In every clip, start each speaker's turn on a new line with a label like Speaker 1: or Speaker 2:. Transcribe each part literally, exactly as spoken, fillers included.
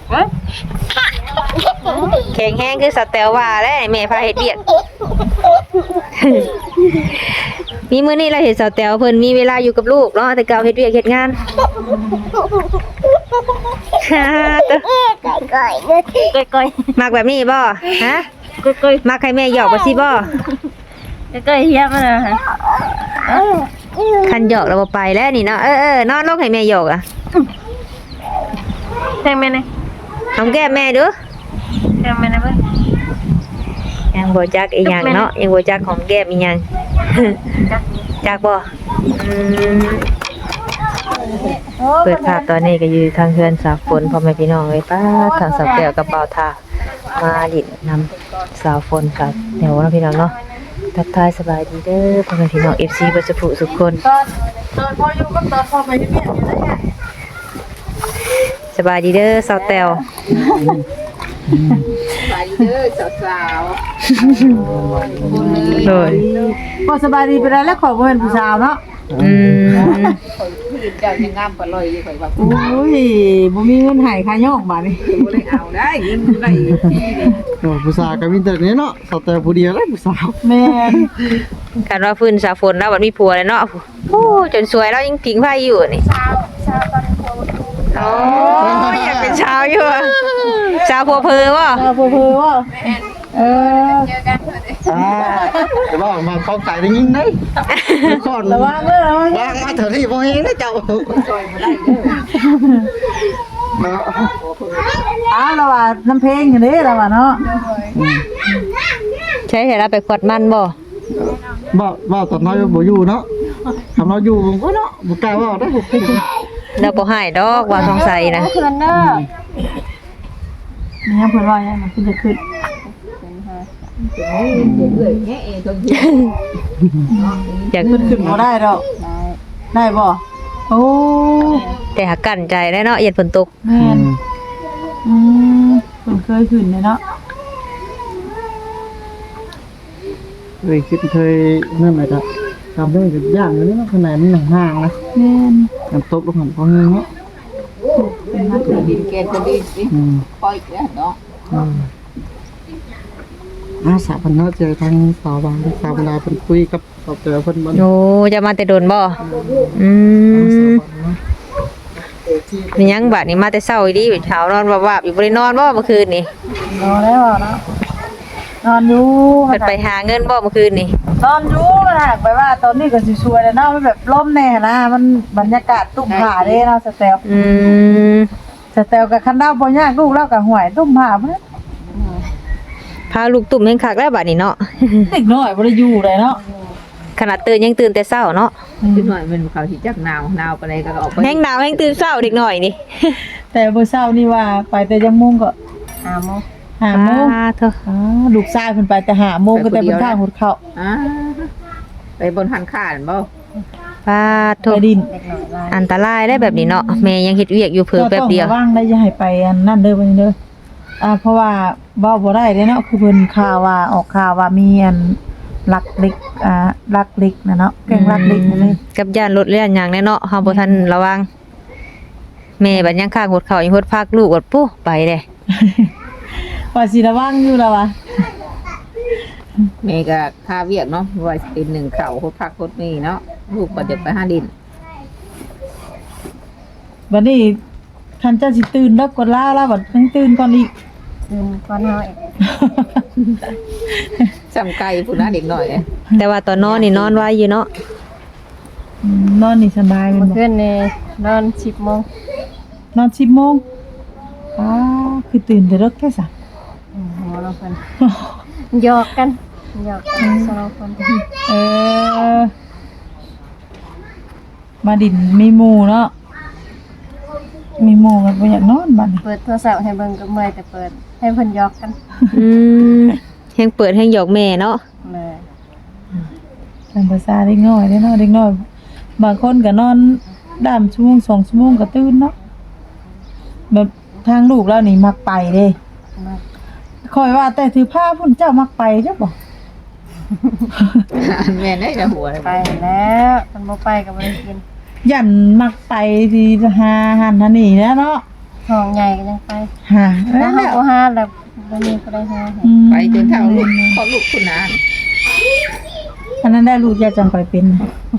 Speaker 1: แข็งแห้งคือสแตลว่าแล้วแม่พาเฮ็ดเวียก มีมื้อนี้เราเห็นสแตลเพิ่นมีเวลาอยู่กับลูกเนาะแต่เก่าเฮ็ดเวียกเฮ็ดงานฮ่าตะก้อยก้อยๆมักแบบนี้บ่ฮะก้อยๆมักให้แม่หยอกบ่สิบ่ก้อยๆเฮียมันน่ะคันหยอกแล้วบ่ไปแล้วนี่เนาะเออๆนอนลงให้แม่หยอกอ่ะแทงแม่นี่หอมแก้มแม่ดูแทงแม่นะเพิ่นยังบ่จักอีหยังเนาะยังบ่จักหอมแก้มอีหยังจักจักบ่อืมเปิดภาพตอนนี้ก็อยู่ทางเฮือนสาวฝนพ่อแม่พี่น้องเอ้ยป้าทางสาวแก้วกับเบาทามาดินนำสาวฝนกับแนวน้องพี่น้องเนาะทักทายสบายดีเด้อพ่อแม่พี่น้อง เอฟ ซี บ่จะผู้สุขคนตอนตอนพออยู่กับตอนพอไปเฮ็ดเวียกอยู่ได้ไงสบายดีเด้อสาวแต้ว
Speaker 2: สบายดีเด้อสาวๆ
Speaker 1: โดย
Speaker 3: พอสบายดีไปแล้วแล้วขอบ่เป็นผู้สาวเนาะ
Speaker 1: อืม
Speaker 2: ผู้เจ้ายังงามปานลอยอยู่ข่อยว่า
Speaker 3: โอ้ยบ่มีเงินให้ค่ายอกบาดนี้
Speaker 2: บ่ได้เอาได้เงินได้
Speaker 4: โอ้ผู้สาวก็มีแต่นี้เนาะสาวแต่ผู้เดียวแล้วผู้สาว
Speaker 3: แม่น
Speaker 1: กันว่าฟื้นสาวฝนแล้วบัดมีผัวแล้วเนาะโอ้จนสวยแล้วยังผิงไฟอยู่นี่สาวสาวตอนผัวโอ้ยอยากเป็นชาวอยู่ชาวผัวเพอบ่
Speaker 3: ชาวผัวเพอบ่เออ
Speaker 2: เจอกันเพิ่น
Speaker 4: อ่าแต่ว่ามาเข้าใจได้ยินได้ก่อน
Speaker 3: ระวังเด้อระวัง
Speaker 4: วางมาเถอะที่บ่เห็นนะเจ้า
Speaker 2: ซอยบ่ได้เด้อ
Speaker 4: เนาะ
Speaker 3: อ้าวเราว่าน้ำเพลงอยู่เด้เราว่าเนาะ
Speaker 1: ใช้เห็นแล้วไปขวดมันบ่
Speaker 4: บ่บ่ตอนน้อยบ่อยู่เนาะทำเราอยู่ผมก็เนาะบ่กล้าว่าได้
Speaker 1: แล้วบ่ให้ดอกว่าสงสัยนะ
Speaker 3: เพิ่นเด้อนี่เพิ่นว่าอย่างนั้นเพิ่นจะขึ้น
Speaker 1: อยาก
Speaker 3: ขึ้นขึ้นบ่ได้ดอกได้บ่โอ้
Speaker 1: แต่หากั้นใจได้เนาะเย็นฝนตก
Speaker 3: แม่นอืมเพิ่นเคยขึ้นเลยเนาะ
Speaker 4: เคยคิดเคยนั่นแหละครับทำได้กับย่างนี้เนาะขนาดมันห่างๆนะ
Speaker 3: แม่น
Speaker 4: น้ำตกลงหันพอเงี้ยเนาะ
Speaker 3: เป็นนัก
Speaker 2: ดินแกนก็ดีสิ
Speaker 4: อืม
Speaker 2: ปล่อยแล้วเนาะ
Speaker 4: อืมอาสาพันเนาะเจอทางสาวบางสาวเวลาเพิ่นคุยกับสาวเจอเพิ่นบ่
Speaker 1: โอ้จะมาแต่โดนบ่อืมมีหยังบัดนี้มาแต่เช้าอีดีเช้านอนวาบๆอยู่บ่ได้นอนบ่เมื่อคืนนี่
Speaker 3: นอนแล้วเนาะนอนอยู่
Speaker 1: เพิ่นไปหาเงินบ่เมื่อคืนนี่
Speaker 3: นอนอยู่มันหากไปว่าตอนนี้ก็สิสวยแล้วเนาะมันแบบลมแน่นะมันบรรยากาศตุ้มผาเด้เนาะสเตล
Speaker 1: อืม
Speaker 3: สเตลกับคันดาวบ่ยากลูกเรากับหวยตุ้มผาเพิ่น
Speaker 1: พาลูกตุ่มแห่งคักแล้วบัดนี้เนาะ
Speaker 3: เด็กน้อยบ่ได้อยู่เลยเนาะ
Speaker 1: ขนาดตื่นยังตื่นแต่เช้าเนาะ
Speaker 2: นิดหน่อยมันเขาสิจักหนาวหนาวปานใดก็ออกไป
Speaker 1: แห้งหนาวแห้งตื่นเช้าเด็กหน่อยนี่
Speaker 3: แต่เมื่อเช้านี่ว่าไปแต่จังโมงก็
Speaker 2: ห้าโมง
Speaker 3: ห้าโมง
Speaker 1: อ่าเถอะ
Speaker 3: อ๋อลูกชายเพิ่นไปแต่ห้าโมงก็แต่เพิ่นทางหดเข้า
Speaker 2: อ่าไปบนหันข้านบ่
Speaker 1: ปาโถ
Speaker 3: ไปดิน
Speaker 1: อันตรายได้แบบนี้เนาะแม่ยังเฮ็ดเวียกอยู่เพิ่นแป๊บเดียว
Speaker 3: ต้องระวังได้อย่าให้ไปอันนั่นเด้อเพิ่นเด้ออ่าเพราะว่าเว้าบ่ได้เด้เนาะคือเพิ่นข่าวว่าออกข่าวว่ามีอันลักเล็กอ่าลักเล็กนะเนาะแก๊งลักเล็กนั่นเลย
Speaker 1: กับย่านรถเลื่อนหยังแน่เนาะเฮาบ่ทันระวังแม่บัดยังข้างหดเข้ายังหดพักลูกกดปุ๊ไปเด้
Speaker 3: ว่าสิระวังอยู่แล้ววะ
Speaker 2: แม่ก็ค่าเวียกเนาะว่าสิเป็นหนึ่งข้าวโคตรพักโคตรมีเนาะลูกก็จะไปหาดิน
Speaker 3: บัดนี้คันเจ้าสิตื่นแล้วกดลาแล้วบัดยังตื่นก่อนอีก
Speaker 2: ตื่นก่อนเฮาจำไก่ผู้น่าเด็กหน่อย
Speaker 1: แต่ว่าตอนนอนนี่นอนไว้อยู่เนาะ
Speaker 3: อืมนอนนี่สบายเลย
Speaker 5: เพื่อนนี่นอนสิบโมง
Speaker 3: นอนสิบโมงอ้าคือตื่นแต่เลิกแค่สาม
Speaker 5: หัวเราเพิ่นหยอกกันหยอกกันสองคน
Speaker 3: เออมาดินมีหมู่เนาะมีหมู่กันบ่อยากนอนบัดนี้
Speaker 5: เปิดโทรศัพท์ให้เบิ่งก็เมื่อยแต่เปิดให้เพิ่นหยอกกัน
Speaker 1: อืมแฮงเปิดแฮงหยอกแม่เนาะ
Speaker 5: เลย
Speaker 3: ตามภาษาเด็กน้อยเด้เนาะเด็กน้อยบางคนก็นอนด้ามชั่วโมงสองชั่วโมงก็ตื่นเนาะแบบทางลูกแล้วนี่มักไปเด้
Speaker 5: มา
Speaker 3: คอยว่าแต่ถือผ้าพุ่นเจ้ามักไปจ้ะบ่
Speaker 2: แม่ได้แต่หัว
Speaker 5: ไปแล้วมันบ่ไปก็บ่ได้กิน
Speaker 3: ยันมักไปที่หาหันหันนี่แหล้วเนาะ
Speaker 5: ทองใหญ่ก็ยังไป
Speaker 3: หาเอ้
Speaker 5: แล้
Speaker 3: ยว
Speaker 5: เฮาบ่หาแล้วบ่มีผู้ใดหาให้
Speaker 3: อืม
Speaker 2: ไปจนเท่าลูกพอลูกคุณนาน
Speaker 3: อันนั้นได้ลูกยาจังค่อยเป็น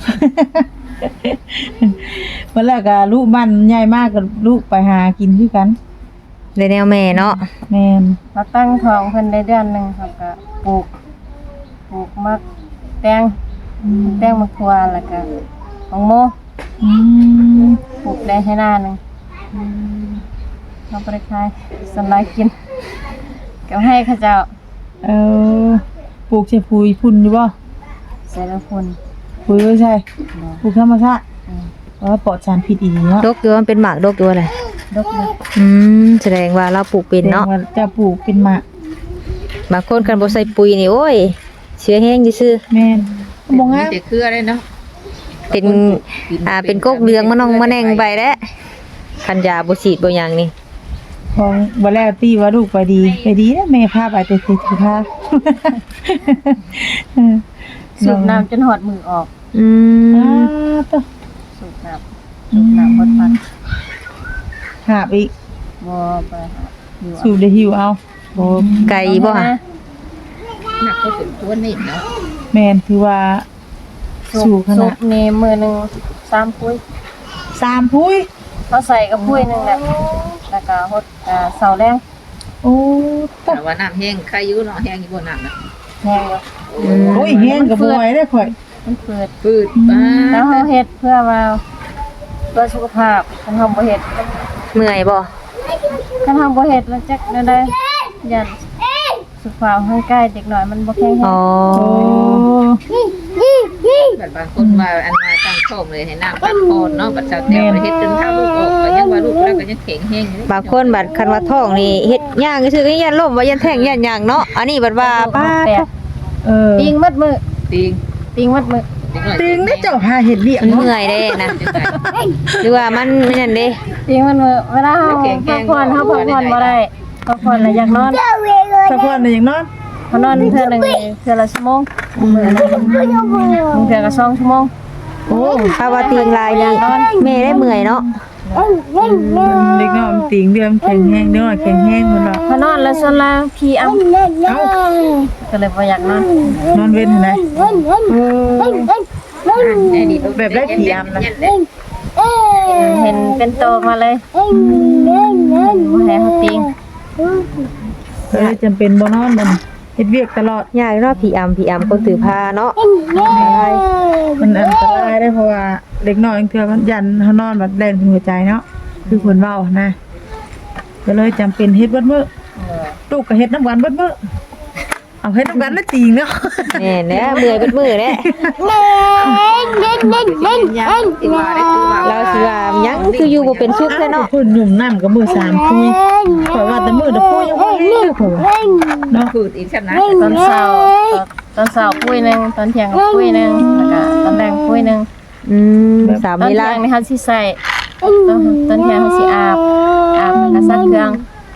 Speaker 3: วันแรกก็ลูกบ้านใหญ่มากกับลูกไปหากินด้วยกัน
Speaker 1: ได้แนวแม่เนาะ
Speaker 3: แม่น
Speaker 5: มาตั้งทองเพิ่นได้เดือนหนึงครับก็ปลูกปลูกมักแตงแตงมะขวาแล้วก็ของโม
Speaker 3: อืม
Speaker 5: ปลูกได้ให้หน้าหนึงเราบ่ได้ขายสำหรับกินก็ให้เขาเจ้า
Speaker 3: เออปลูกใช่ปุ๋ยพุ่นอยู่บ่
Speaker 5: ใส่ละคน
Speaker 3: ปุ๋ยไม่ใช่ปลูกธรรมชาติเพราะว่าปลอดสารพิษอีกเนาะ
Speaker 1: ดกอยู่มันเป็นหมากดกอยู่อะไร
Speaker 5: ดกเลย
Speaker 1: อืมแสดงว่าเราปลูกเป็นเนาะ
Speaker 3: แสดงว่าจะปลูกเป็นหมาก
Speaker 1: บางคนกันบ่ใส่ปุ๋ยนี่โอ้ยเชื้อแห้งซื่อ
Speaker 3: แม่นบ่
Speaker 2: มี
Speaker 3: งาม
Speaker 2: แต่เครือเลยเนาะ
Speaker 1: ๆเป็นอ่าเป็นกกเรืองมะนองมะแนงไปแล้วคันยาบ่ฉีดบ่หยังนี่
Speaker 3: ของบ่แล้วตีว่าลูกไปดีไปดีนะแม่พาไปแต่สิถือพา
Speaker 5: สูบน้ำจนหอดมือออก
Speaker 1: อื
Speaker 3: อ่าม ตว
Speaker 5: สูบน้ำสูบน้ำหมดพัน
Speaker 3: หาบอีก
Speaker 5: บ่ไปหาอยู่
Speaker 3: สูบได้หิวเอา
Speaker 1: โอ้ไก่บ่ฮะ
Speaker 2: หนักก็ถึงตัวนี่เนาะ
Speaker 3: แม่นถือว่า
Speaker 5: สู
Speaker 3: สู
Speaker 5: บบ
Speaker 3: ข
Speaker 5: สู
Speaker 3: นา
Speaker 5: บ
Speaker 3: ด
Speaker 5: นี่มือหนึงสามปุ้ย
Speaker 3: สามพุ้ย
Speaker 5: เขาใส่กับปุ้ยหนึงแหละแล้วก็หดอ่าเสาแรง
Speaker 3: โอ้ตะ
Speaker 2: แต่ว่าน้ำแห้งใครอยู่เนาะแห้งอยู่บนน้ำนะ
Speaker 5: แห้งอยู่
Speaker 3: โอ้ยแห้งกับบ่ไหวได้อข่อย
Speaker 5: มันเปิด
Speaker 2: พืชบ้า
Speaker 5: แล้วเฮาเฮ็ดเพื่อว่าเพื่อสุขภาพคันเฮาบ่เฮ็ด
Speaker 1: เมื่อยบ่
Speaker 5: คันเฮาบ่เฮ็ดแล้วจักได้ได้ยันสุขภาพร่างกายเด็กน้อยมันบ่แข็งแร
Speaker 1: อ๋อง
Speaker 2: แบบบางคนว่าอันมาตั้งท้องเลยให้น้ำพักผ่อนเนาะบัดเช้าแต่ไปเฮ็ดจนเท่าลูกออกก็ยังว่าลูกแล้วก็ยังแข็งแห้งอยู่
Speaker 1: บางคนบัดคันว่าท้องนี่เฮ็ดย่างซื่อๆก็ยันล่มว่ายันแท่งยันหยังเนาะอันนี้บัดว่าป้า
Speaker 5: แปลก
Speaker 3: เออ
Speaker 5: ปิงมัดมือ
Speaker 2: ติง
Speaker 5: ปิงมัดมือ
Speaker 3: ติงได้เจ้าหาเห็ดเบี้ย
Speaker 1: มัน
Speaker 3: เนาะ
Speaker 1: เมื่อยเด้นะหรือว่ามันไม่นั่นเด้
Speaker 5: ปิงมัดมือเวลาเฮาพักผ่อนเฮาพักผ่อนบ่ได้พักผ่อนแล้วอยากนอน
Speaker 3: ถ้าพ่อน่ะอย่างนอน
Speaker 5: พอนอนเทื่อหนึงนี่เทื่อละชั่วโมงมื้อนึงบางเทื่อก็สองชั่วโมง
Speaker 1: โอ้ถ้าว่าตีงลายนี่แม่ได้เมื่อยเนาะ
Speaker 3: เด็กน้อยมันติงเดือมแข็งแห้งเด้อแข็งแห้งพุ่นว่า
Speaker 5: พอนอนแล้วส่วนละขี้อ้ำ
Speaker 3: เอ้า
Speaker 5: ก็เลยบ่อยากนอน
Speaker 3: นอนเว้นไหน
Speaker 2: แบบได้ผีอำนะ
Speaker 5: เห็นเป็นโตมาเลยบ่ให้เฮาติง
Speaker 3: ก็เลยจำเป็นบ่นอนมันเฮ็ดเวียกตลอด
Speaker 1: ยากเนาะผีอำผีอำคนถือผ้าเนาะ
Speaker 3: มันอันตรายได้เพราะว่าเด็กน้อยบางเทื่อมันยันเฮานอนแบบแล่นเป็นหัวใจเนาะคือเพิ่นเว้านะก็เลยจำเป็นเฮ็ดเบิดมื้อลูกก็เฮ็ดน้ำกันเบิดมื้อเอาเฮ็ดน้ำกันแล้วติงเนาะ
Speaker 1: แม่นแหละเมื่อยเบิดมือแหละ
Speaker 2: ที่ว่าได้คือว่า
Speaker 1: เราสิว่าหยังคืออยู่บ่เป็นสุขแท้เนาะ
Speaker 3: เพิ่นหยุ่มน้ำกับมือสามคุยข่อยว่าแต่มือเดยวคุยยังบ่เลิกข่อยว่าเนาะ
Speaker 2: พืชอีกชั้นนะ
Speaker 5: ตอนเช้าตอนเช้าปุ้ยหนึงตอนเที่ยงก็ปุ้ยหนึงแล้วก็ตอนแลงปุ้ยหนึง
Speaker 1: อืมสาม
Speaker 5: ตอน
Speaker 1: เว
Speaker 5: เที่
Speaker 1: ลาย
Speaker 5: งนี่เฮาสิใส่ตอนตอนเที่ยงเฮาสิอาบอาบแล้วก็ซักเครื่อง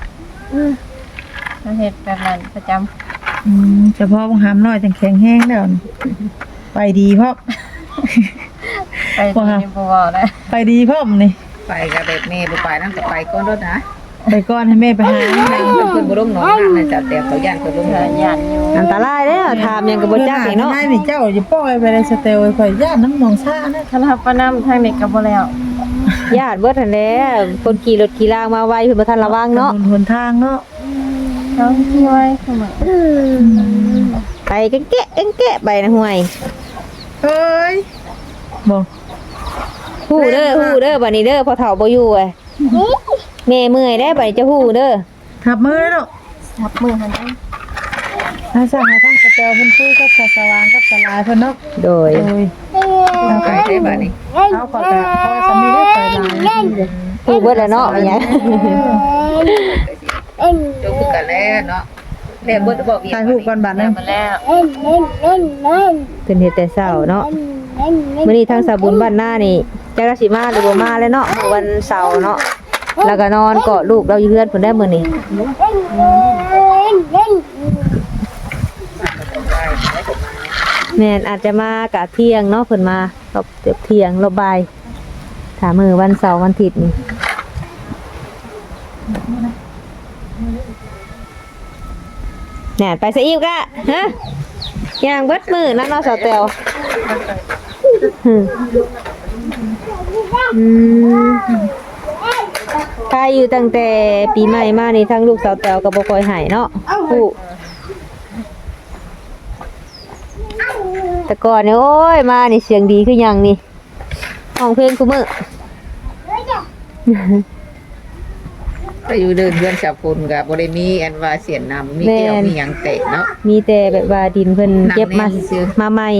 Speaker 5: เราเฮ็ดแบบนั้นประจำ
Speaker 3: อืมเฉพาะบางหามน้อยจังแข็งแห้งแล้วนี่ไปดีพร้อม
Speaker 5: ไปที่นี่บ่เว้าได้
Speaker 3: ไปดีพร้อมนี่
Speaker 2: ไปกับแบบแม่บ่ไปนั่นก็ไปก้อนรถนะ
Speaker 3: ไปก่อนให้แม่ไปหา
Speaker 2: ไปเพิ่นบ่ลงหนองน้ำนะจ๊ะแต่เขาย่านเพิ่นลง
Speaker 5: เธ
Speaker 2: หน
Speaker 5: อ
Speaker 2: อง
Speaker 5: ยันอยู่
Speaker 1: อันตรายเด้อถามหยังก็บ่จักนี่เนาะ
Speaker 3: นายนี่เจ้าอย่าปล่อยไปเลยสเตลข่อยย่านน้ำหนองซ่านะ
Speaker 5: คันรับประนำทางนี้ก็บ่แล้ว
Speaker 1: ญาติเบิดนั่นแหละคนขี่รถขี่รางมาไวเพิ่นบ่ทันระวังเนาะ
Speaker 3: ถนนหนทางเนาะ
Speaker 5: เขาที่ไว้เสมอ
Speaker 1: ไปกันแกะกันแกะไปนะห่วย
Speaker 3: เอ้ยบ่
Speaker 1: ฮู้เด้อฮู้เด้อบัดนี้เด้อพอเฒ่าบ่อยู่เอ้ยแม่เมื่อยแล้วบัดนี้จะฮู้เด้อ
Speaker 3: ทับมือเนาะ
Speaker 5: ทับมือหั่นเด้
Speaker 3: ถ้าสั่งให้ทั้งสเตลเพิ่นคุยกับสว่างกับสลายเพิ่นเนาะ
Speaker 1: โดย
Speaker 3: โอ้ย
Speaker 2: ไปได้บ้านนี้
Speaker 3: เอาขอแต่เพราะว่าสามีได้ไปหลาย
Speaker 1: ฮู้เบิดแล้วเนาะว่าหยัง
Speaker 2: จบคือกันแล้วเนาะแล้วบ่ได้บอกอีก
Speaker 3: ถ่ายรูปก่อนบัดนึง
Speaker 5: มาแล้ว
Speaker 1: เพิ่นเฮ็ดแต่เช้าเนาะมื้อนี้ทางสาบุญบ้านหน้านี่จักราสิมาหรือบ่มาแล้วเนาะวันเสาร์เนาะแล้วก็นอนเกาะลูกเราอยู่เฮือนเพิ่นได้มื้อนี้แม่นอาจจะมากะเที่ยงเนาะเพิ่นมารอบเกือบเที่ยงรอบบ่ายถ้ามื้อวันเสาร์วันอาทิตย์นี่แหน่ไปซะอีกอะฮะย่างเบิดมือนั่นเนาะสาวแตวอืมอืมถ้าอยู่ตั้งแต่ปีใหม่มานี่ทั้งลูกสาวแตวก็บ่ค่อยหายเนาะผู้แต่ก่อนนี่โอ้ยมานี่เสียงดีคือหยังนี่ห้องเพลงคุมื้อ
Speaker 2: ก็อยู่เดินเพื่อนชาวพลก็บ่ได้มีอันว่าเสียนนำมีแก้วมีหยังแตกเนาะ
Speaker 1: มีแต่แบบว่าดินเพิ่นเก็บมา
Speaker 2: น้ำแน่นซื่อ
Speaker 1: มาใหม่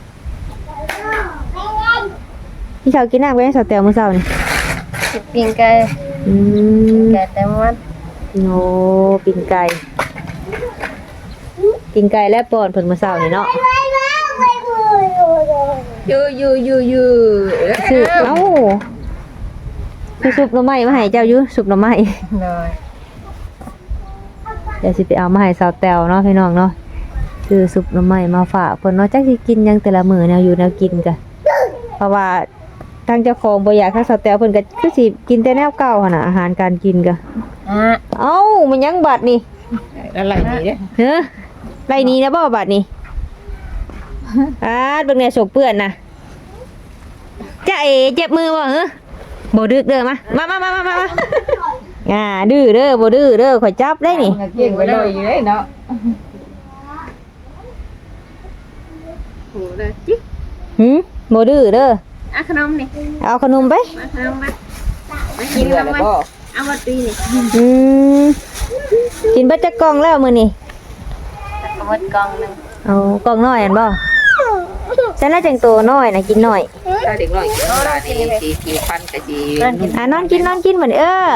Speaker 1: พี่ชาวกินน้ำไปให้สาวแตวมื้อเช้านี่
Speaker 5: สิปิ้งไก่
Speaker 1: อืม
Speaker 5: ไก่แต่มัน
Speaker 1: โนปิ่นไก่ปิ่นไก่และปอนเพิ่นมื้อเช้านี่เนาะ
Speaker 2: ยูยูยูยู
Speaker 1: คือเอ้าคือซุปหน่อไม้มาให้เจ้าอยู่ซุปหน่อไม้
Speaker 5: เลย
Speaker 1: เดี๋ยวสิไปเอามาให้สาวแตวเนาะพี่น้องเนาะคือซุปหน่อไม้มาฝากเพิ่นเนาะจักสิกินหยังแต่ละมื้อแนวอยู่แนวกินกะเพราะว่าทางเจ้าของบ่อยากให้สาวแตวเพิ่นก็คือสิกินแต่แนวเก่าหั่นน่ะอาหารการกินกะ
Speaker 5: อ่ะ
Speaker 1: เอ้ามันยังบัดนี่
Speaker 2: อะไรนี่เด้
Speaker 1: เฮ้อไรนี้นะบ่บัดนี่อาดเบิ่งแน่สกเปื้อนน่ะจ้าเอ๋เจ็บมือบ่เหรอบ่ดึกเด้อมามามามามามาอ่าดื้อเด้อบ่ดื้อเด้อข่อยจับได้นี่
Speaker 2: เก่งไปเลยอยู่เด้เนาะโหเลยจิ๊ก
Speaker 1: หึบ่ดื้อเด้อ
Speaker 5: อ่ะขนมนี่
Speaker 1: เอาขนมไป
Speaker 5: มาขนมมามา
Speaker 2: กิ
Speaker 5: กิ
Speaker 2: น
Speaker 5: น
Speaker 2: แล้
Speaker 5: แล้ว ว
Speaker 2: บ่
Speaker 5: มั้ยเอามาตีนี่
Speaker 1: อืมกินเบิดจักกล่องแล้วมื้อนี้
Speaker 5: เอาหมดกล่องหนึง
Speaker 1: เอากล่องน้อยอันบ่ฉันน่าจังโตน้อยน่ะกินน้อย
Speaker 2: ถ้าเด็กน้อยกินปลานี่สีผิวพันธุ์ก็สิ
Speaker 1: อ่ะนอนกินนอนกินเหมือนเออ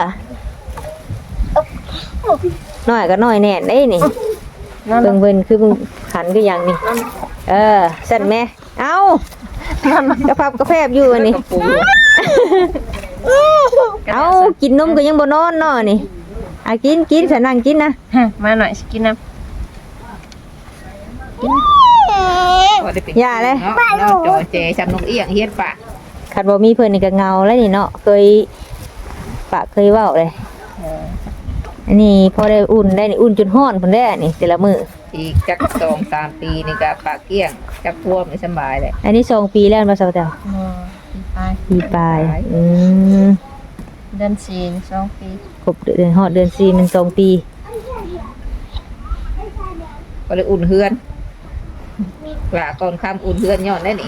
Speaker 1: น้อยก็น้อยแน่นเด้นี่
Speaker 5: นั่น
Speaker 1: เบิ่งเบิ่นคือมึงหันคือหยังนี่เออสั่นแม่เอ้ากระพับกระแพบอยู่อันนี้
Speaker 2: กระปู
Speaker 1: เอ้ากินนมก็ยังบ่นอนเนาะนี่อ่ะกินกินฉันนั่งกินนะ
Speaker 5: ฮะมาหน่อยสิกินน้ำ
Speaker 1: อย่าเลย
Speaker 2: เนาะเนาะจอเจชำนกเอียงเฮ็ดปาก
Speaker 1: คันบ่มีเพิ่นนี่ก็เงาแล้วนี่เนาะเคยปากเคยเว้าเลยอันนี้พอได้อุ่นได้นี่อุ่นจนร้อนพุ่นได้อันนี่แต่ละมื้อ
Speaker 2: อีกจักสองสามปีนี่ก็ปากเกี้ยงจักพวกไม่สบายเลย
Speaker 1: อันนี้สองปีแล้วบ่าวเจ้า
Speaker 5: อ๋อไป
Speaker 1: ปีปลายอืม
Speaker 5: เดือนสี่สองปี
Speaker 1: ครบเดือนฮอดเดือนสี่มันสองปี
Speaker 2: ก็เลยอุ่นเฮือนว่าก่อนคำอุ่นเฮือนย้อนได้นี่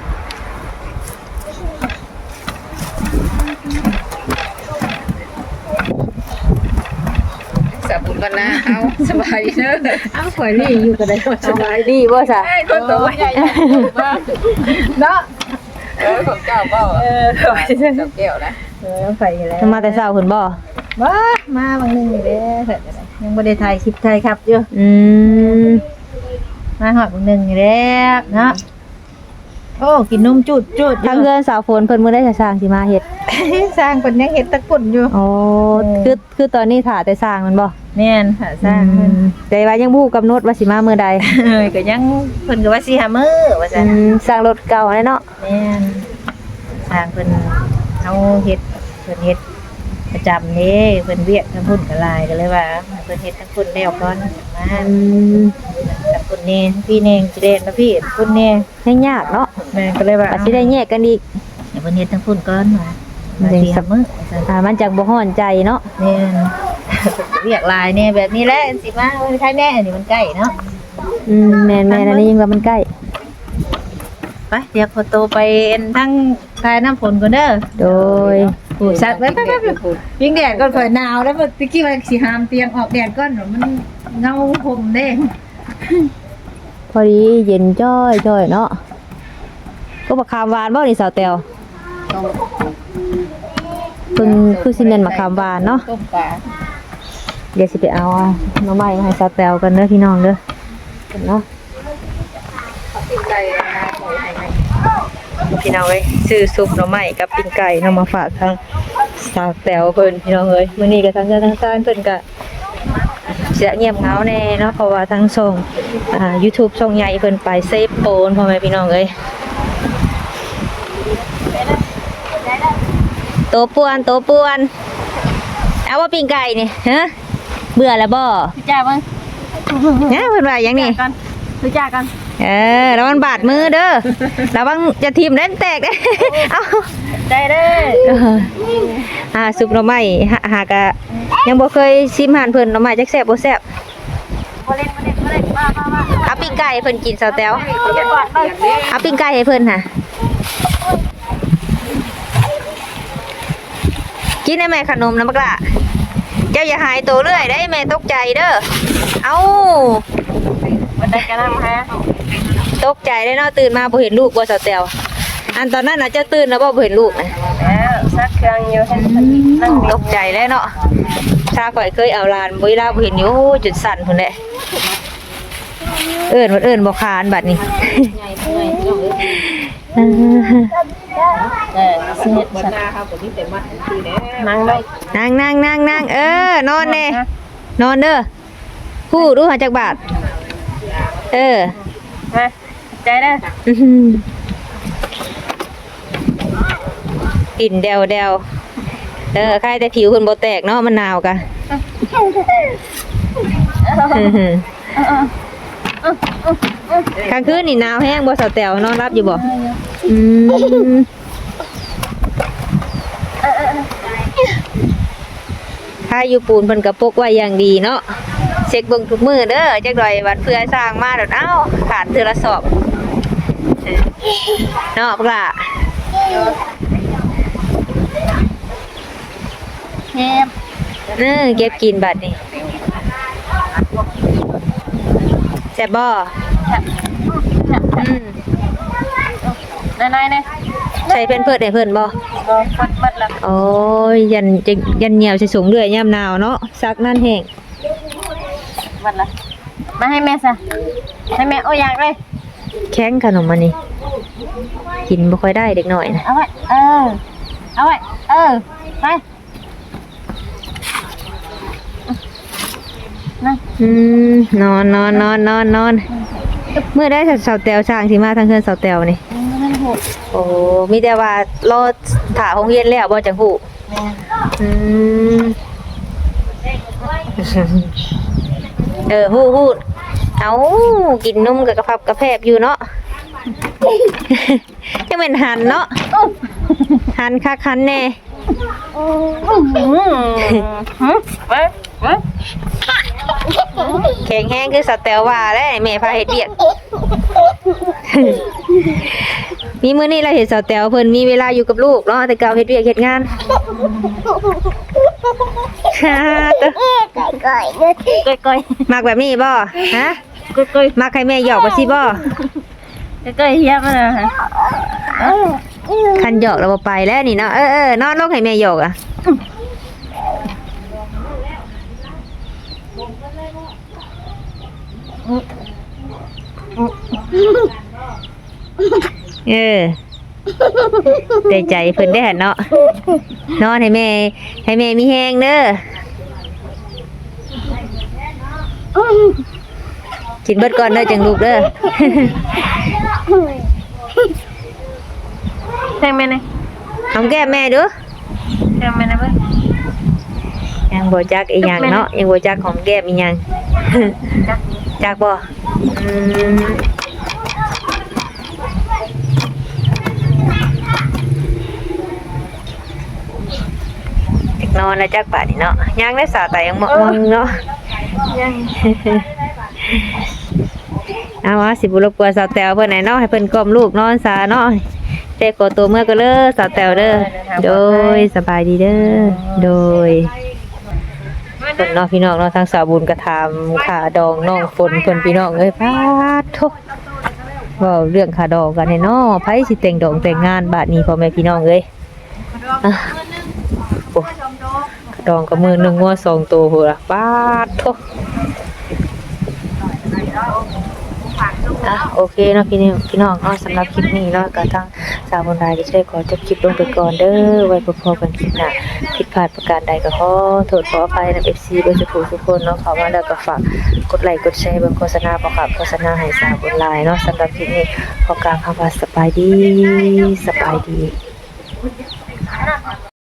Speaker 2: สบุญกันนะเอาสบายเนอะ
Speaker 1: อ้าวข่อยนี่อยู่ก็ได้สบายดีบ่ซะ
Speaker 2: คนตัวใหญ่เนาะเออของเจ้าเปล่าเออเจ้าแก้วนะ
Speaker 5: เออไปแล้ว
Speaker 1: มาแต่เช้าเพิ่นบ่
Speaker 5: บ้ามาบางนึงนี่เด้อเถิดอะไรยังบ่ได้ถ่ายคลิปถ่ายครับอยู่
Speaker 1: อืม
Speaker 5: มาหอดบางนึงนี่แหละเนาะโอ้กินนมจุดจุด
Speaker 1: ทางเพื่อนสาวฝนเพิ่นมื้อได้จะสร้างสิมาเฮ็ด
Speaker 5: สร้างเพิ่นยังเฮ็ดตะกุ่นอยู่
Speaker 1: อ๋อคือคือตอนนี้ถ่าแต่สร้างมันบ่
Speaker 5: แม่นค่ะสร้างเพิ่น
Speaker 1: แต่ว่ายังบ่ฮู้กำหนดว่าสิมามื้อใด
Speaker 5: เอ้ยก็ยังเพิ่นก็ว่าสิหามื้อว่า
Speaker 1: อื
Speaker 5: ซั่น
Speaker 1: มสร้างรถเก่าแน่เนาะ
Speaker 5: แม่นสร้างเพิ่นเฮาเฮ็ดเพิ่นเฮ็ดประจำเด้เพิ่นเวียกทั้งพุ่นก็หลายก็เลยว่าเพิ่นเฮ็ดทั้งพุ่นแล้วก่อนมา
Speaker 1: อืม
Speaker 5: ทั้งพุ่นนี่พี่เน่งสิเด่นนะพี่พุ่นนี่
Speaker 1: ยังยากเนาะ
Speaker 5: แม่ก็เลยว่า
Speaker 1: ว่าสิได้แยกกันอีก
Speaker 5: เดี๋ยวเพิ่นเฮ็ดทั้งพุ่นก่อนว่า
Speaker 1: เดี๋ยว
Speaker 5: สิหามื้อว่าซั่น
Speaker 1: อ่ามันจักบ่ฮ้อนใจเนาะ
Speaker 5: แม่น เรียกลายเนี่ยแบบนี้แหละสิมาเออใช่แน่อันนี้มันใกล้เนาะ
Speaker 1: อืมแม่นๆอันนี้ยังว่ามันใกล้
Speaker 5: ไปเดี๋ยวพอโตไปทั้งทายน้ำฝนก่อนเด้อ
Speaker 1: โดย
Speaker 5: ผูดสัตว์ไว้ไปๆยิงแดดก่อนข่อยหนาวแล้วเมื่อกี้ว่าสิหามเตียงออกแดดก่อนเดี๋ยวมันเงาผมเด้
Speaker 1: พอดีเย็นจ้อยจ้อยเนาะก็บักขามหวานบ่นี่สาวแตวเพิ่นคือสิแม่นมะขามหวานเนาะ
Speaker 2: ต้มปลา
Speaker 1: เดี๋ยวสิไปเอาหน่อไม้มาให้สาวแตวกันเด้อพี่น้องเด้อเนาะ
Speaker 2: ปิ้งไก่นะปล่อยให้ไหม
Speaker 1: พี่น้องเอ้ยซื้อซุปหน่อไม้กับปิ้งไก่เนาะมาฝากทางสาวแตวเพิ่นพี่น้องเอ้ยมื้อนี้ก็ทางเจ้าทางการเพิ่นก็เสียเงียบเหงาแน่เนาะเพราะว่าทางช่องอ่า YouTube ช่องใหญ่เพิ่นไปเซฟโปนพ่อแม่พี่น้องเอ้ยโตป่วนโตป่วนเอาว่าปิ้งไก่นี่ฮะเบื่อแล้วบ่
Speaker 5: จ้าเบิ่ง
Speaker 1: เนี่ยเพิ่นว่าหยังนี่
Speaker 5: กันดูจ้ากัน
Speaker 1: เออแล้วมันบาดมือเด้อระวังจะทิ่มเล่นแตกเด้ เอา
Speaker 5: ได้เด้อ
Speaker 1: เอออ่าซุปหน่อไม้หาหากะยังบ่เคยชิมอาหารเพิ่นหน่อไม้จักแซ่บบ่แซ่บ
Speaker 5: บ่เล่นบ่เล่นบ่เล่นมามามา
Speaker 1: เอาปิ้งไก่ให้เพิ่นกินสาวแต๋ว
Speaker 5: เดี๋ยวก่อนเบิ่ง
Speaker 1: เอาปิ้งไก่ให้เพิ่นค่ะกินได้ไหมขนมนะบักล่ะเจ้าอย่าหายตัวเรื่อยได้แม่ตกใจเด้อเอ้า
Speaker 5: บ่ได้กันนำฮะ
Speaker 1: ตกใจได้เนาะตื่นมาบ่เห็นลูกบ่สาวแต๋วอันตอนนั้นน่ะเจ้าตื่นแล้วบ่บ่เห็นลูกนะ
Speaker 5: แล้วซักเครื่องอยู่ให้นั่ง
Speaker 1: ตกใจแล้วเนาะถ้าข่อยเคยเอาหลานบ่เวลาบ่เห็นอยู่โอ้ยจุดสั่นพุ่นแหละเอิ้นว่าเอิ้นบ่คานบัดนี้
Speaker 2: ใหญ่เมื่อยน้องเอ้ย
Speaker 5: เออสิเฮ็ด
Speaker 2: บรร
Speaker 5: สัก
Speaker 2: ดาเขาก็มีแต่มัดคือแน่
Speaker 5: นั่งได้
Speaker 1: นั่งนั่งนั่งนั่งเออนอนแน่นอนเด้อพูดดูหาจักบาทเออ
Speaker 5: มาใจเด้อ
Speaker 1: อื้อหือกินเดวเดวเออใครแต่ผิวคนบ่แตกเนาะมันหนาวกะอื้อหือกลางคืนนี่หนาวแห้งบ่สาวแต๋วนอนรับอยู่บ่อืมถ้าอยู่ปูนเพิ่นก็ปกไว้อย่างดีเนาะเช็คเบิ่งทุกมื้อเด้อจักหน่อยวันเพื่อสร้างมาแล้วเอ้าขาดเทื่อละสอบเนาะพวกล่ะ
Speaker 5: เฮ็ด
Speaker 1: เออเก็บกินบัดนี่แซ่บบ่อืม
Speaker 5: นายๆเด้
Speaker 1: ใช้เพิ่นเพิ่นให้เพิ่นบ่
Speaker 5: บ่ฟดบัดละ
Speaker 1: โอ้ยยันจะยันเหนียวใส่สูงเรื่อยยามหนาวเนาะซักนั่นแห้ง
Speaker 5: บัดละมาให้แม่ซะให้แม่โอ้อยากเลย
Speaker 1: แข็งขนมอันนี้กินบ่ค่อยได้เด็กน้อยนะ
Speaker 5: เอาไว้เออเอาไว้เออไปนั่ง
Speaker 1: อืมนอนนอนนอนนอนนอนเมื่อได้สาวแตวช่างสิมาทางเฮือนสาวแตวนี่
Speaker 5: นั่งหู
Speaker 1: โอ้มีแต่ว่ารอถ่าโรงเรียนแล้วบ่จังฮู้
Speaker 5: แม่
Speaker 1: อืมเออฮู้ฮู้เอากินนมกับกระพับกระแพบอยู่เนาะ ยังเป็นหันเนาะหันคักหันแน่
Speaker 5: ไปไป
Speaker 1: แข็งแห้งคือสแตลว่าแล้วแม่พาเฮ็ดเวียก มีมื้อนี้เราเห็นสแตลเพิ่นมีเวลาอยู่กับลูกเนาะแต่เก่าเฮ็ดเวียกเฮ็ดงาน ค่ะตัว
Speaker 5: ก้อยก้อย
Speaker 1: มักแบบนี้บ่ฮะ
Speaker 5: ก้อยก้อย
Speaker 1: มักให้แม่หยอกบ่สิบ่
Speaker 5: ก้อยเฮียมันนะฮะ
Speaker 1: คันหยอกแล้วบ่ไปแล้วนี่เนาะเออๆนอนลงให้แม่หยอกอ่ะเออได้ใจเพิ่นได้หั่นเนาะนอนให้แม่ให้แม่มีแฮงเด้อกินเบิดก่อนเด้อจังลูกเด้อ
Speaker 5: แทงแม่เลย
Speaker 1: หอมแก้มแม่ดู
Speaker 5: แทงแม่นะเพื่อน
Speaker 1: ยังบ่จักอีหยังเนาะยังบ่จักหอมแก้มอีหยัง จักบ่อืมนอนแล้วจักป่านนี่เนาะยังได้สาแต่ยังมองเนาะ
Speaker 5: ยัง
Speaker 1: เอาว่าสิบุรบกวนสาวแตวเพิ่นไหนเนาะให้เพิ่นกล่อมลูกนอนซาเนาะเด็กกดตัวเมื่อก็เด้อสาวแตวเด้อโดยสบายดีเด้อโดยเพิ่นเนาะพี่น้องเนาะทางสาวบุญกระทำขาดองน้องฝนเพิ่นพี่น้องเอ้ยพาดทุกเว้าเรื่องขาดองกันให้เนาะไผสิแต่งดองแต่งงานบาดนี้พ่อแม่พี่น้องเอ้ยอ่ะโอ้ดองกับมือหนึงงัวสองตัวพุ่นล่ะปาดทุก อ่ะโอเคเนาะพี่นี่พี่น้องเนาะสำหรับคลิปนี้เนาะก็ทางสาวบนรายจะช่วยขอจบคลิปลงไปก่อนเด้อไว้พบกันคลิปหน้าผิดพลาดประการใดก็ขอโทษขออภัยนะ เอฟ ซี เบอร์ทุกทุกคนเนาะเข้ามาแล้วก็ฝากกดไลค์กดแชร์เบิ่งโฆษณาประกอบโฆษณาให้สาวบนรายเนาะสำหรับคลิปนี้ขอกล่าวคำว่าสบายดีสบายดี